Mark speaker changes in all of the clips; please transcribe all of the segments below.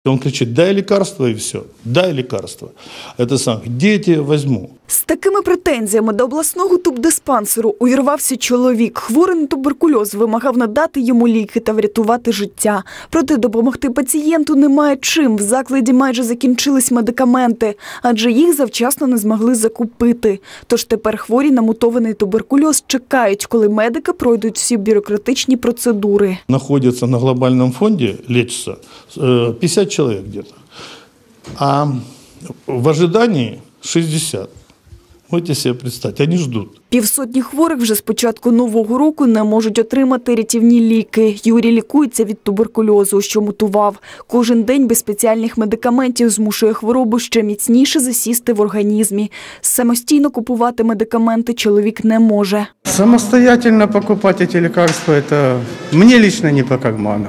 Speaker 1: Он кричит: дай лекарство, и все. Дай лекарство. Это сам. Где я тебе возьму?
Speaker 2: З такими претензіями до обласного тубдиспансеру увірвався чоловік. Хворий на туберкульоз вимагав надати йому ліки та врятувати життя. Проте допомогти пацієнту немає чим. В закладі майже закінчились медикаменти, адже їх завчасно не змогли закупити. Тож тепер хворі на мутований туберкульоз чекають, коли медики пройдуть всі бюрократичні процедури.
Speaker 1: Находится на глобальном фонде, лечится 50 человек где-то. А в ожидании 60. Можете себе представить, они ждут.
Speaker 2: Півсотні хворих вже з початку нового року не можуть отримати рятівні ліки. Юрій лікується від туберкульозу, що мутував. Кожен день без спеціальних медикаментів змушує хворобу ще міцніше засісти в організмі. Самостійно купувати медикаменти чоловік не може.
Speaker 3: Самостоятельно покупать эти лекарства, это мне лично не по карману.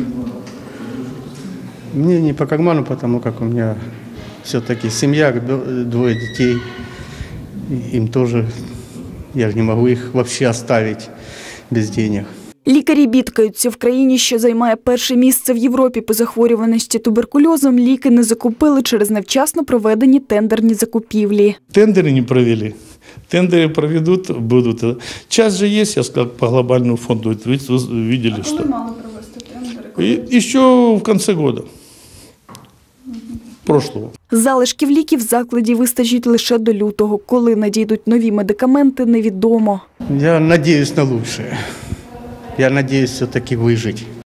Speaker 3: Мне не по карману, потому как у меня все-таки семья, 2 детей. Им тоже, я же не могу их вообще оставить без денег.
Speaker 2: Лікарі бідкаються. В країні, що займає перше місце в Європі по захворюваності туберкульозом, ліки не закупили через невчасно проведені тендерні закупівлі.
Speaker 1: Тендеры не провели. Тендеры проведут, будут. Час же есть, я сказал, по глобальному фонду. Вы видели, что?
Speaker 4: Коли мали провести тендери?
Speaker 1: Еще в конце года. Прошлого.
Speaker 2: Залишків ліків в закладі вистачить лише до лютого. Коли надійдуть нові медикаменти, невідомо.
Speaker 3: Я надеюсь на лучшее. Я надеюсь все-таки выжить.